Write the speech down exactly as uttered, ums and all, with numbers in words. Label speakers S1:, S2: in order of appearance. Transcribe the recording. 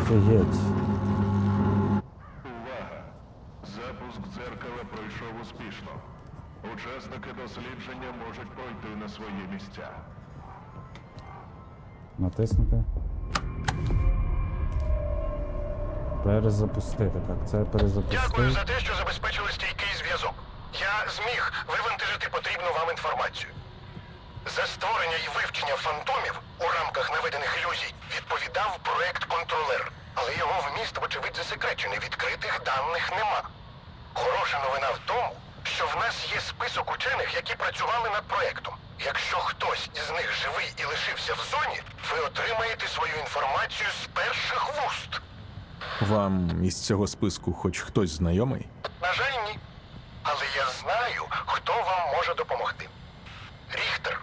S1: Офігеть.
S2: Увага! Запуск дзеркала пройшов успішно. Учасники дослідження можуть пройти на свої місця.
S1: Натиснути. Перезапустити. Так, це перезапустити.
S3: Дякую за те, що забезпечили стійкий зв'язок. Я зміг вивантажити потрібну вам інформацію. За створення і вивчення фантомів у рамках наведених ілюзій відповідав проект «Контролер». Але його вміст, вочевидь, засекречений. Відкритих даних нема. Хороша новина в тому, що в нас є список учених, які працювали над проектом. Якщо хтось із них живий і лишився в зоні, ви отримаєте свою інформацію з перших вуст.
S4: Вам із цього списку хоч хтось знайомий?